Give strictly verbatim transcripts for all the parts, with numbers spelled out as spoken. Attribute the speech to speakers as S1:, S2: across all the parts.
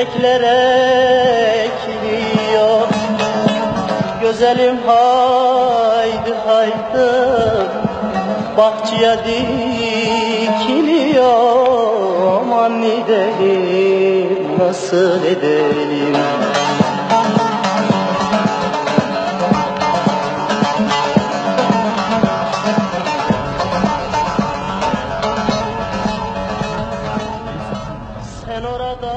S1: çiçekler ekiliyor. Güzelim haydi haydi bahçeye dikiliyor. Aman edelim, nasıl edelim? Sen orada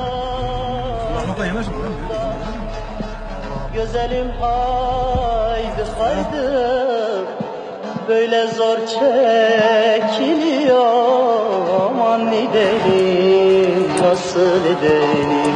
S1: güzelim haydi haydi böyle zor çekiliyor. Aman edelim, nasıl edelim?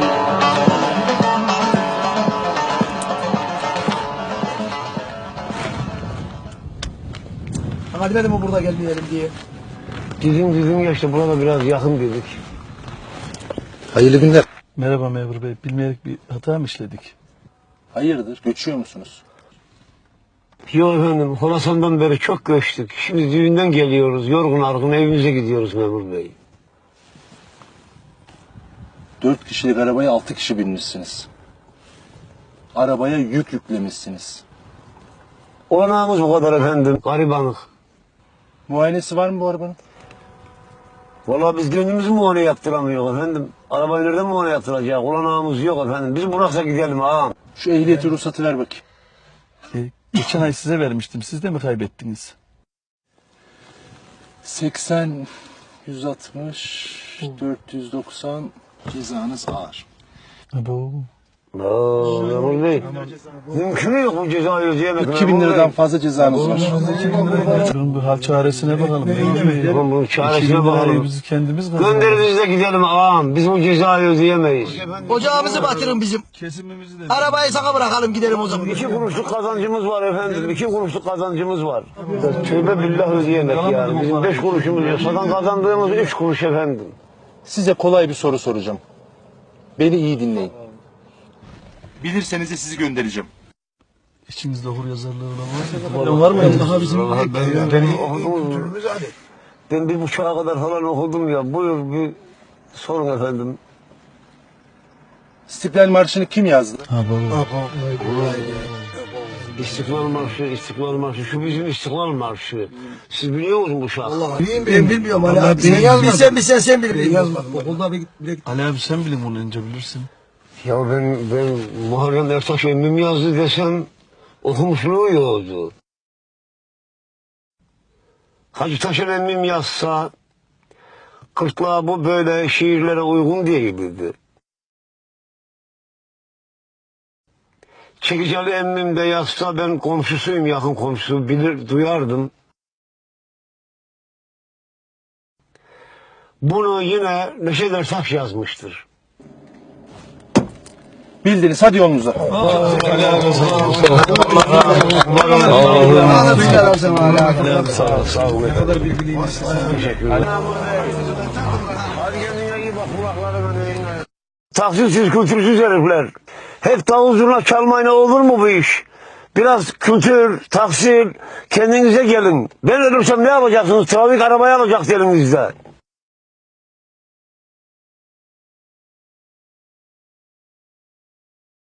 S2: Hadi dedim o burada gelmeyelim diye.
S3: Bizim bizim yaşta burada biraz yakın dedik.
S4: Hayırlı günler.
S5: Merhaba memur bey. Bilmeyerek bir hata mı işledik?
S4: Hayırdır? Göçüyor musunuz?
S3: Yok efendim, Horasan'dan beri çok göçtük. Şimdi düğünden geliyoruz, yorgun argın evimize gidiyoruz memur bey.
S4: Dört kişilik arabaya altı kişi binmişsiniz. Arabaya yük yüklemişsiniz.
S3: Olanağımız bu kadar efendim, garibanlık.
S4: Muayenesi var mı bu arabanın?
S3: Vallahi biz gönlümüzü muayene yaptıramıyoruz efendim. Arabayı nereden muayene yaptıracak? Olanağımız yok efendim. Biz Burak'a gidelim ağam.
S4: Şu ehliyeti ruhsatı ver bakayım.
S5: E, geçen ay size vermiştim. Siz de mi kaybettiniz?
S4: seksen, yüz altmış, dört yüz doksan cezanız ağır.
S5: Abo.
S3: Aa, memur bey. Mümkün yok bu cezayı ödeyemek.
S4: iki bin liradan fazla cezanız var.
S5: Bunun bir hal çaresine bakalım.
S3: Bunun, bunun çaresine
S5: iki bin lirayı
S3: bakalım.
S5: biz kendimiz kazanalım.
S3: Gönderiniz de gidelim ağam. Biz bu cezayı ödeyemeyiz.
S2: Ocağımızı batırın bizim.
S5: Kesimimizi de...
S2: Arabayı sana bırakalım gidelim o zaman.
S3: İki kuruşluk kazancımız var efendim. İki kuruşluk kazancımız var. Tövbe billah ödeyemek yani. Bizim beş kuruşumuz yok. Zaten kazandığımız üç kuruş efendim.
S4: Size kolay bir soru soracağım. Beni iyi dinleyin. Bilirseniz de sizi göndereceğim.
S5: İçinizde hur yazarlığı olan var mı? Var mı? Daha bizim...
S3: Ben, ben, ben, okudum. Ben bir buçuğa kadar falan okudum ya. Buyur bir sorun efendim.
S4: İstiklal Marşı'nı kim yazdı?
S5: Abo.
S3: İstiklal Marşı, İstiklal Marşı. Şu bizim İstiklal Marşı. Siz biliyor musunuz bu şarkı?
S2: Ben bilmiyorum Ali abi. Sen yazmadın. Bilsen bilsen sen bil. Ben yazmadım. Okulda bir...
S5: Ali abi sen bilin bunu önce bilirsin.
S3: Ya ben, ben Muharrem Ertaş emmim yazdı desem okumuşluğu yoktu. Hacı Taşer emmim yazsa kırklığa bu böyle şiirlere uygun değildi. Çekiceli emmim de yazsa ben komşusuyum, yakın komşusu, bilir, duyardım. Bunu yine Neşet Ertaş yazmıştır.
S4: Bildiniz, hadi yolunuza.
S3: Sağ olun. Ne kadar bilgiliymişsiniz. Teşekkürler. Hadi kendine iyi bak, kulaklarına dinle. Tahsilsiz, kültürsüz herifler. Hep davul zurna çalmayla olur mu bu iş? Biraz kültür, tahsil, kendinize gelin. Ben ölürsem ne yapacaksınız? Trafik arabayı alacak elinizde.